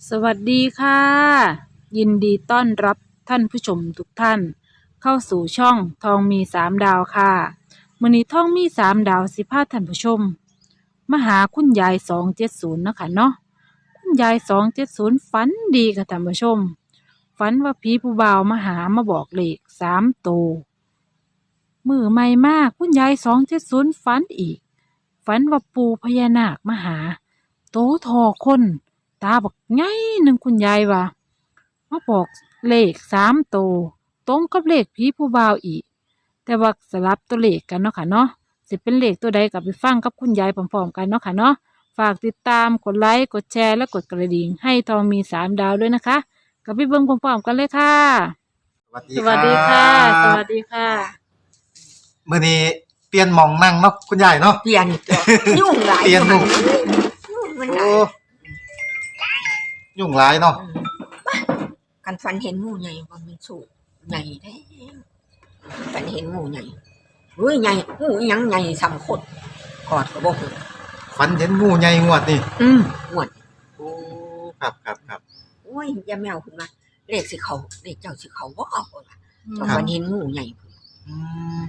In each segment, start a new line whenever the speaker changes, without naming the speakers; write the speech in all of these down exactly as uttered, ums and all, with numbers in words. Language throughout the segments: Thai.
สวัสดีค่ะยินดีต้อนรับท่านผู้ชมทุกท่านเข้าสู่ช่องทองมีสามดาวค่ะมื้อนี้ทองมีสามดาวสิพาท่านผู้ชมมาหาคุณยายสองเจ็ดศูนย์เนาะค่ะเนาะคุณยายสองเจ็ดศูนย์ฝันดีค่ะท่านผู้ชมฝันว่าผีผู้บ่าวมาหามาบอกเลขสามโตวมือใหม่มากคุณยายสองเจ็ดศูนย์ฝันอีกฝันว่าปู่พญานาคมาหาโตทอคน ตาบอกไงหนึ่งคุณยายว่ามาบอกเลขสามโตวตรงกับเลขผีผู้บ่าวอีกแต่ว่าสลับตัวเลขกันเนาะค่ะเนาะสิเป็นเลขตัวใดกับไปฟังกับคุณยายพร้อมๆกันเนาะค่ะเนาะฝากติดตามกดไลค์กดแชร์และกดกระดิ่งให้ทองมีสามดาวด้วยนะคะกับพี่เบิ้งพร้อมๆกันเลยค่ะ
สวัสดี
สวัสดีค่ะ ส
ครับ
วัสดีค่ะ
มื้อนี้เปลี่ยนหม่องนั่งเนาะคุณยายเนาะ
เปลี่ยนตัวยุ่งหลาย
เปลี่ยนหมู่
ยุ่งมันห
โอ้
ลาย
ยุ่งหลายเนาะ
กันฟันเห็นงูใหญ่ว่ามันสูงใหญ่แท้ฟันเห็นงูใหญ่เฮ้ยใหญ่งูอิหยังใหญ่สำคนกอดก็บ่ฮู้
ฝันเห็นงูใหญ่งวดนี่
อืมหวด
โอ้ครับครับครับ
โอ้ยอย่าแมวขึ้นมาเลขสิเขาเลขเจ้าสิเขาบ่เอาว่า
อืม
เจ้าฟันเห็นงูใหญ่
อืม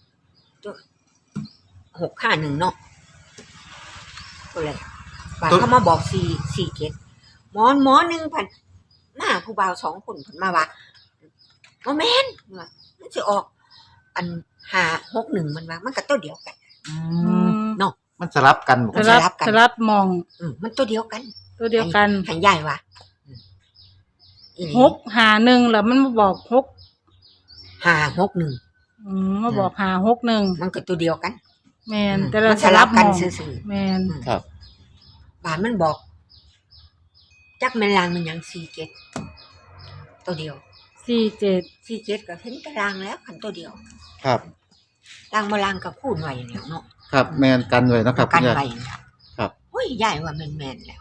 หกห้าหนึ่งเนาะก็เลยบาดเขามาบอกสี่สี่เจ็ดหมอนหมอหนึ่งพันหน้าผู้บ่าวสองคนเพิ่นมาว่าบ่แม่นว่ามันสิออก อันห้าหกหนึ่งมันว่ามันก็ตัวเดียวกัน
อื
อื
ม
ม
เนาะ
มันสลับกันบ่
ส
คุณ
ลั
ยาย
บ
ลับกัน
สลับมอง
อืมมันตัวเดียวกัน
ตัวเดียวกัน
หันใหญ่ว่ะอืมอีลี
หกหาหนึ่งแล้วมันมาบอกหก
ห้าหกหนึ่ง
อืมมาบอกหาหกหนึ่ง
มันก็ตัวเดียวกัน
แมน
อืม
แต่เรา
มัน
ส
สลั
ลับบ
กัน
มอง
ซื่อๆ
แมน
อืม
ครับ
บานมันบอก จักแม่นลางมันหยังสี่เจ็ดตัวเดียว
สี่เจ็ด
สี่เจ็ดก็เห็นตารางแล้วคันตัวเดียว
ครับ
ลางมาลางกับคูณไว้แล้วเนาะ
ครับแม่นกันไว้เนาะครับคุ
กัน
ณยาย
ไว้
ครับ
โอ้ยใหญ่ว่าแม่นๆแล้ว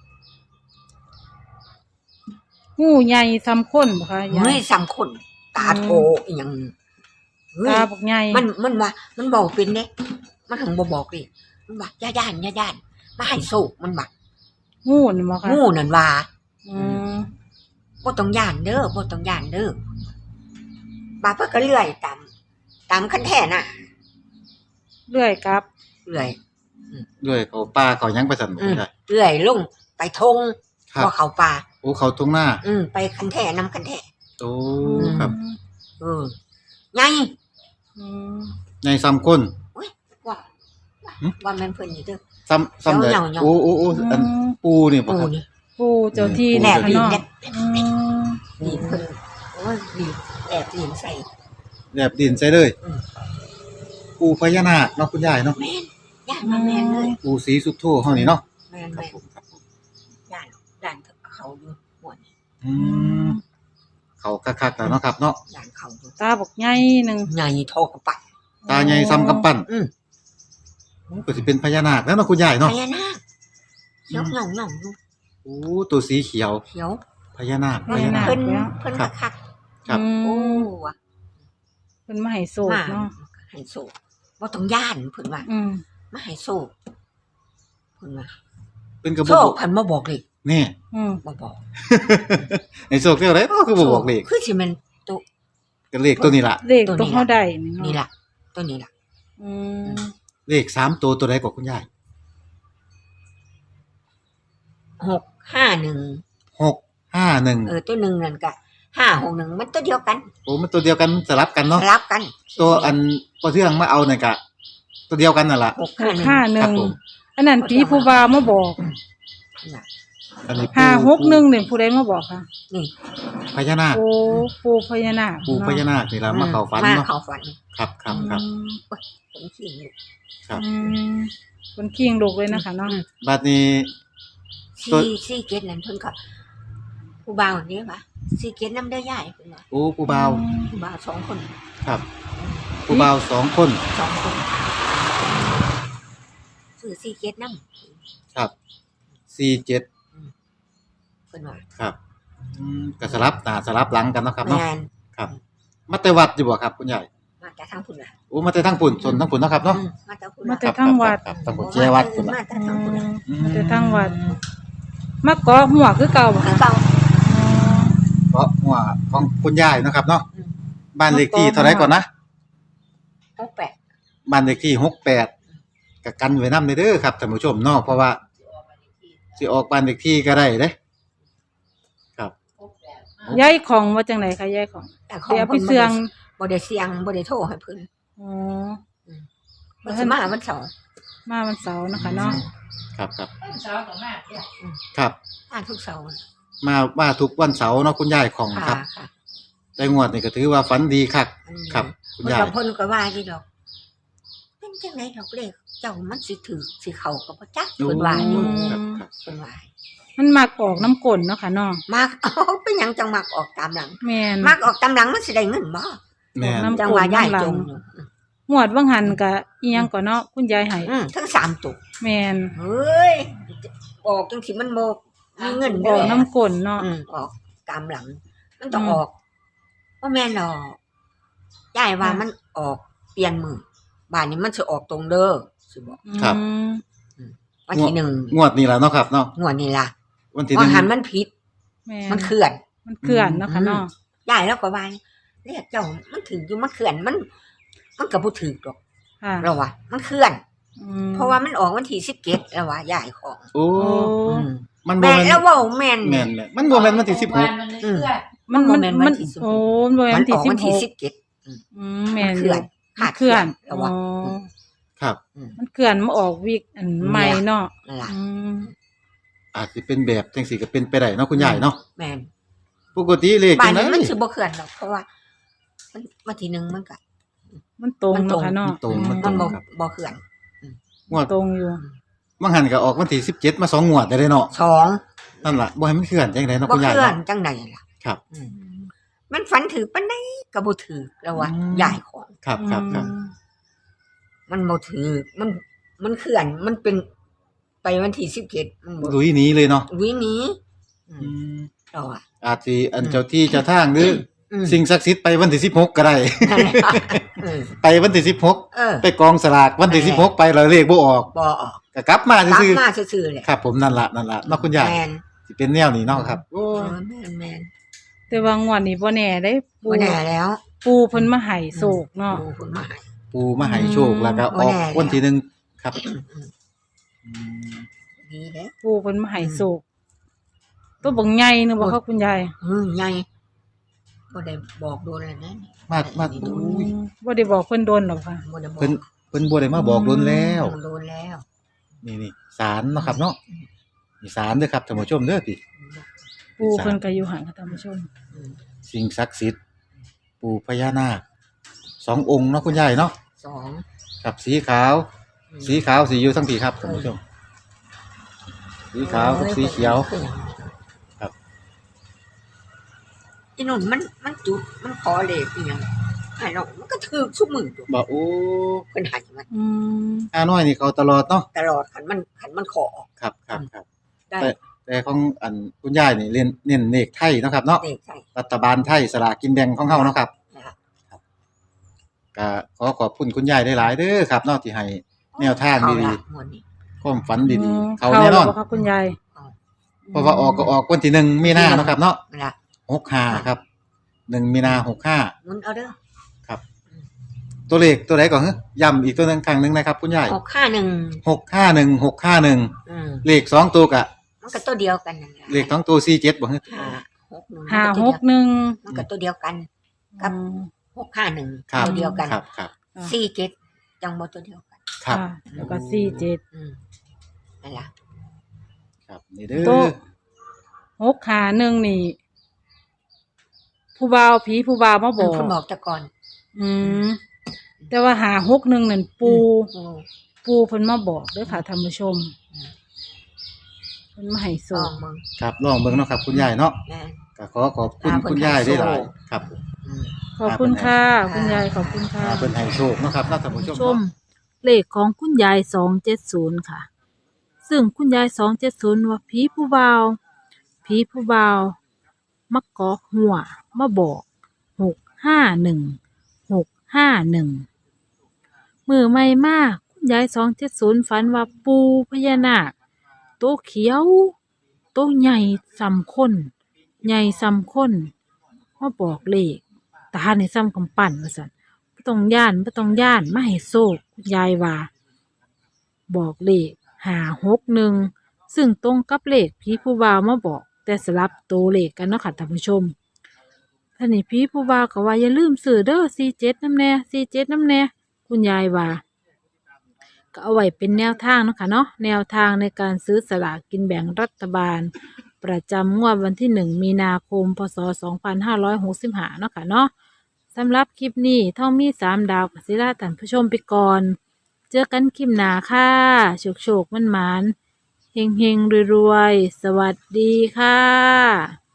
งูใหญ่ซ้ำคนบ่คะยา
เฮ้
ย
ยสามคนตาโตอีหยังเฮ้ย
ตาบอกใหญ่
มันมันว่ามันบอกเป็นเด้มันถึงบ่บอกดิมันว่าย่าย่านย่าย่านมาให้โศกมันว่า
งูนี่บ่คะ
งูนั่นว่า
อืม
บ่ต้องย่านเด้อบ่ต้องย่านเด้อบาดเพิ่นก็เลื่อยตามตามคันแท้น่ะ
เลื่อยกลับ
เลื่อย
ด้วยเขาป้าเขายังไปสั่นบ่
อื
คุ
ม
ณยาย
เลื่อยลงไปทง
ครับ
บ่เข้าป่า
โอ้เขาตรงหน้า
อืมไปคันแท้นำคันแท้
โอ้ครับ
เออใหญ่
อืม
ใหญ่ซ้ำคน
ว่า
หึ
ว่าแม่นเพิ่นนี่เด้อ
ซ้ำซ้ำได้
เหงาๆ
โอ้โอ้โอ้อันปูนี่บ่
ปู
ครับ
นี่
ปูเจ้าที่
ปู
แหล
นี่
บ
ค่ะ
ดิน
เนาะ
แหลบ
อืม
นี่เพิ่นโอ้ยนี่แหลบดินใส่
แบบดินใส่เลย
อืม
ปูพญานาคเนาะคุณยายเนาะ
แม่นย่านมาแม่นเลย
ปูสีสุดโทเฮานี่เนาะ
แม่น
ครับ
แม่น
ผมครับผม
ย่านย่านเขาอยู่หัวนี่
อืมเขาคักๆแล้วเนาะครับเนาะ
ย่านเขาอยู่
ตาบอกใหญ่หนึ่ง
ใหญ่โทกระปัด
ตาใหญ่ซ้ำกำปั้น
อืม
โอ้ก็สิเป็นพญานาคแล้วเนาะคุณยาย
พ
เนาะ
ญานาคเขียวเหงาเหงาอยู่
โอ้ตัวสีเขียว
เขียว
พญานาคพ
เพิ่น
ญานาค
เพิ่นเพิ่น
ครั
มา
บ
คัก
ครับ
อืม
โอ้ว่ะ
เป็นมาให้โศก
มา
เนาะ
ให้โศกบ่ต้องย่านเพิ่นว่า
อืม
มาให้โศกเพิ่นว่า
เป็นกระบ
โศ
อก
กเพิ่นบ่บอกเลย
นี่
อืม
บ่บอก
ไอ้โซกเรียกอะไรเนาะคือบ่บอกเลข
คือสิแม่นตัว
ก็เลขตัวนี้ล่ะ
เลขตัวเขาได้นี่
นี่
เนาะ
ล่ะตัวนี้ล่ะ
อืม
เลขสามตัวตัวใดกว่าคุณยาย
หกห้าหนึ่ง
หกห้าหนึ่ง
เออตัวหนึ่งนั่นก็ห้าหกหนึ่งมันตัวเดียวกัน
โอ้มันตัวเดียวกันสลับกันเนาะ
สลับกัน
ตัวอันพอเทื่องมาเอานั่นก็ตัวเดียวกันนั่นล่ะ
หก
ห
ห้าก หนึ่ง
ห้าห
ครั
นึ่
บ
ง
ผม
อันนั้นผีผู้บ่าวมาบอก
น่ะ
อันนี้ปู
ห้าหกหนึ่งเนี่ยผู้ใดมาบอกค่ะ
นี่
พญานาค
โอ้ปูพญานาค
ปูพญานาคนี่ล่ะมาเข้าฝัน
มา
เนาะ
เข้าฝัน
ครับครับครับ
อืม
ผมขี้อยู่
ครับ
อืมคนเคียงลูกเลยนะคะเนาะ
บัดนี้ ตัว
ซี่ซี่เกตนั่นเพิ่นก็ผู้บ่าวนี่ปะซี่เกตน้ำได้ย่ายเพิ่นว่า
โอ้ปูบ่าว
ผู้บ่าวสองคน
ครับปูบ่าวสองคน
สองคนซื้อซี่เกตน้
ครับสี่เจ็ด
ำเพิ่นว่า
ครับอืมก็สลับหน้าสลับหลังกันเนาะครับเนาะ
แม่น
ครับมาแต่วัดอยู่บ่ครับคุณยาย
มาจากทางพุ่นล่ะ
โอ้มาแต่ทางปุ่นส่วนทางปุ่นเนาะครับเนาะ
อืมมาจากพุ่น
มา
ล่ะ
แต่ทั้งวัด
ครับครับทางปุ่นเจวัดพุ่นล่ะ
มาจาก
อื
ทางพุ่นล่ะ
มมาแต่ทั้งวัดมาเกาะหัวคือเก่าบ่
คือ
คะ
เก่า
เพราะหัวของคุณยายเนาะครับเนาะ
อืม
บ้านเลขที่เท่าไหร่ก่อนนะ
หกแปด
บ้านเลขที่หกแปดก็กันไว้นำเด้อครับท่านผู้ชมเนาะเพราะว่าสิออกบ้านเลขที่ก็ได้เด้ครับ
ยายของว่าจังไดคะยายของ
แต่ขอ
เดี๋
ง
ยวไป
เพิ่น
เสื่อง
บ่ได้เสียงบ่ได้โทรให้เพิ่น
อ๋อ
มันสิมาวันเสาร์
มาวันเสาร์เนาะคะเนาะ
ครับครับ
เช้ากับแม่เนี่ย
ครับ
มาทุกเสาร์
มามาทุกวันเสาร์เนาะคุณยายของค
ค่ะ
รับ
ค่ะ
แต่งวดนี่ก็ถือว่าฝันดีคัก
อืม
ครับ คุณ
เพิ่น
ยาย
ก็เพิ่นก็ว่าอยู่ดอกเป็นจังไดดอกเลขเจ้ามันสิถือสิเข้ากับบ่จักเพิ่นว่าอยู่
ครับครับ
เพิ่นว่า
มันมักออกน้ำกลนเนาะค่ะเนาะ
มัก เอาเป็นหยังจังมักออกตามหลัง
แม่น
มักออกตามหลังมันสิได้เงินบ่
แม่น
น้ำ
จังว่าย้ายจงอยู่
หวดว่างหันกะอีหยังก่อนเนาะคุณยายให้
อืมทั้งสามตัว
แม่น
เฮ้ยออกจังสิมันบ่มีเงิน
อ
เด้
อกน้ำกลนเนาะ
อืมออกตามหลัง มันต้อง
อืม
ออกบ่แม่นหรอกยายว่ามันออกเปลี่ยนมือบ้านนี้มันสิออกตรงเด้อสิบอก
ครับ
อืม
วันที่หนึ่ง
งวดนี้ล่ะเนาะครับเนาะ
งวดนี้ล่ะ
วันที่ห
ว่า
นึ่ง
หันมันผิด
แม่
มันเคลื่อน
มันเคลื่อนเนาะค่ะเนาะ
ยายแล้วก็ว่าเรียกเจ้ามันถึงอยู่มันเคลื่อนมัน มันก็บ่ถูกดอก
ค่ะ
เราว่ามันเคลื่อน
อืม
เพราะว่ามันออกวันที่สิบเจ็ดแล้วว่ายายของ
โอ้
โอ้
อืม
มันบ่
แม่น
แม่น
แล้วเว้าแม่น
แม่นแม่นมันบ่แม่นวันที่สิบหก
มันเลยเคลื่อน
มัน
บ่
มัน
แม่น
มั
วัน นที่สิบหก
โอ้มันบ่แม่น
มัน
วัน
อ
ที่
อก
สิ
วั
บ
น
ห
ที่
ก
สิบเจ็ด
อืมแม่น
มัน
อ
เคลื่
ยู่
อน
มันเคลื่อน
ขาดเคลื่อนแล้ววะ
อ๋อ
ครับ
มันเคลื่อนมาออกวิกอันใหม่เนาะ
นั่นล่ะ
อืม
อาจสิเป็นแบบจังซี่ก็เป็นไปได้เนาะคุณยายเนาะ
แม่น
ปกติเลข
บ้า
จั
น
งได๋
นี้มันสิบ่เคลื่อนหรอกเพราะว่า มันวันที่หนึ่งมันก็
มันตรง
มันตรง
เนาะค่ะเนาะ
ตรงมันต
มั
ร
น
ง
บ่
ครับ
บ่เคลื่อน
งวด
ตรงอยู่
บางหันก็ออกวันที่สิบเจ็ดมาสองงวดได้เลยเนาะ
สอง
นั่นล่ะบ่ให้มันเคลื่อนจังไดเนาะ
บ่
คุณ
เค
ยาย
ลื่อน
เนาะ
จังไดล่ะ
ครับ
อืมมันฝันถือปานใดก็บ่ถือแล้วว่า
อืม
ยายของ
ครับครับครับ
อืม
มันบ่ถือมันมันเคลื่อนมันเป็นไปวันที่สิบเจ็ดมันบ่
ลุยหนีเลยเนาะ
วิหนี้อื
อื
ม
ม
เราอ่ะ
อาจสิอันเจ้าที่เจ้าทางหรือ
อืม
สิ่งศักดิ์สิทธิ์ไปวันที่สิบหกก็ได้
นั่นแหละเออ
ไปวันที่สิบหก
เออ
ไปกองสลากวันที่สิบหกไปแล้วเลขบ่ออก
บ่ออก
ก็กลับมาก
ลับ
ซื่อ
มาซื่อๆแหละ
ๆครับ ผมนั่นล่ะนั่นล่ะเนาะคุณยาย
แม่น
สิเป็นแนวนี้เนาะครับ
เออแม่นแม่น
แต่ว่างวดนี้บ่แน่ได้ปู
บ่แน่แล้ว
ปูเพิ่นมาให้โศกเนาะ
ดูคนมาให้
ปูมาให้โชคแล้วก็อ
บ่
อก
แน่แล้ว
วันที่หนึ่งครับ
อืม
อืม
ดีเด้
ปูเพิ่นมาให้โศกตัวบักใหญ่นึงบ่คะคุณยาย
เออใหญ่บ่ได้บอกโดนเลยนะ
มามา
ดี
อื
โดน
มบ่ได้บอกเพิ่นโดนหรอกค่ะ
บ่ได้บอก
เพิ่นเพิ่นบ่ได้มาบอกโดนแล้ว
โดนแล้ว
นี่นี่ศาลเนาะครับเนาะนี่ศาลเด้อครับท่านผู้ชมเด้อพี่
ปูเพิ่นก็อยู่ห่างค่ะท่านผู้ชม
อืม
สิ่งศักดิ์สิทธิ์ปู่พญานาคสององค์เนาะคุณยายเนาะ
สอง
กับสีขาว สีขาวสีอยู่ทั้งพี่ครับท่านผู้ชม สีขาวกับสีเขียว ครับ
อีนุ่นมันมันจุดมันขอเลขอีหยังไอ้น้องมันก็ถูกซุมือตัว
บอกโอ้
เพิ่นให้มัน
อืม
อาน้อยนี่เขาตลอดเนาะ
ตลอดคันมันคันมันขอ
ครับครับครับ
ได้
แต่แต่ของอันคุณยายนี่เรียนเน้นเลขไทยเนาะครับเนาะ
เลขใช่
รัฐบาลไทยสลากกินแบ่งของเฮาเนาะครับ
นะครับ
ก็ขอขอบคุณคุณยายหลายๆเด้อครับเนาะที่ให้แนวทางดี
เข้ละงวดนี้
ๆความฝันดีๆ เขา
เข้า
แน่น
แล้
อ
วน บ่คะคุณยาย
เพราะว่าออกก็ออกวันที่หนึ่งมีนาเนาะครับเนาะ
นั่นล่ะ
หกห้าครับหนึ่งมีนาหกห้า
หมุนเอาเด้อ
ครับ ตัวเลขตัวไหนก่อนฮะย้ำอีกตัวหนึงครั้งหนึงนะครับคุณยาย
หกห้าหนึ่ง
หกห้าหนึ่งหกห้าหนึ่ง
อืม
เลขสองตัวกะ
มันก็ตัวเดียวกันนั่นแหละ
เลขสองตัวสี่เจ็ดบ่ฮะ
ห้าหกหนึ่ง
ห้าหกหนึ่ง
มันก็ตัวเดียวกัน ครับ
อืม
หกห้าหนึ่ง
ครับ
ตัวเดียวกัน
ครับครับ
สี่เจ็ดจังบ่ตัวเดียวกัน
ครับ
ค่ะแล้วก็สี่เจ็ด
อืมนั่นล่ะ
ครับนี่เด้
โต๊ะ
อ
หกขาหนึ่งนี่ ผู้บ่าวผีผู้บ่าวมาบ
มั
อน ก
เพิ่นบอกแต่ก่อน
อืมแต่ว่าหาหกหนึ่งนั่นปู
อืม
ปูเพิ่นมาบอกเด้วยค่ะท่านผู้ชม
อืม
เพิ่นมาให้
ล
สู
อง งมึง
ครับลองเบิ่งเนาะครับคุณยายเนาะ
แม่
ก็ขอขอบคุณ
อ่าเพิ่น
คุณยายได้หลาย
ให้โชค
ครับ
อืม
ขอบคุณค่ะ
อ่า
คุณยายขอบคุณค่ะ
อ่าเป็นให้โชคเนาะครับเนาะท่านผู้ชม
ชม
เนาะ
เลขของคุณยายสองเจ็ดศูนย์ค่ะ ซึ่งคุณยายสองเจ็ดศูนย์ว่าผีผู้บ่าวผีผู้บ่าวมาเกาะหัวมาบอกหกห้าหนึ่งหกห้าหนึ่งมือใหม่มากคุณยายสองเจ็ดศูนย์ฝันว่าปูพญานาคตัวเขียวโตใหญ่ซ้ำคนใหญ่ซ้ำคนมาบอกเลขตาในซ้ำกำปั้นว่าซั่นบ่ต้องย่านบ่ต้องย่านมาให้โชคคุณยายว่าบอกเลขห้าหกหนึ่งซึ่งตรงกับเลขผีผู้บ่าวมาบอกแต่สลับตัวเลขกันเนาะค่ะท่านผู้ชมท่านนี่ผีผู้บ่าวก็ว่าอย่าลืมซื้อเด้อสี่เจ็ดนำแน่สี่เจ็ดนำแน่คุณยายว่าก็เอาไว้เป็นแนวทางเนาะค่ะเนาะแนวทางในการซื้อสลากกินแบ่งรัฐบาลประจำงวดวันที่หนึ่งมีนาคมพศสองพันห้าร้อยหกสิบห้าเนาะค่ะเนาะสำหรับคลิปนี้ท่องมีสามดาวกับศิลาท่านผู้ชมไปก่อนเจอกันคลิปหน้าค่ะโชคโชคมันหมานเฮงเฮงรวยๆสวัสดีค่ะ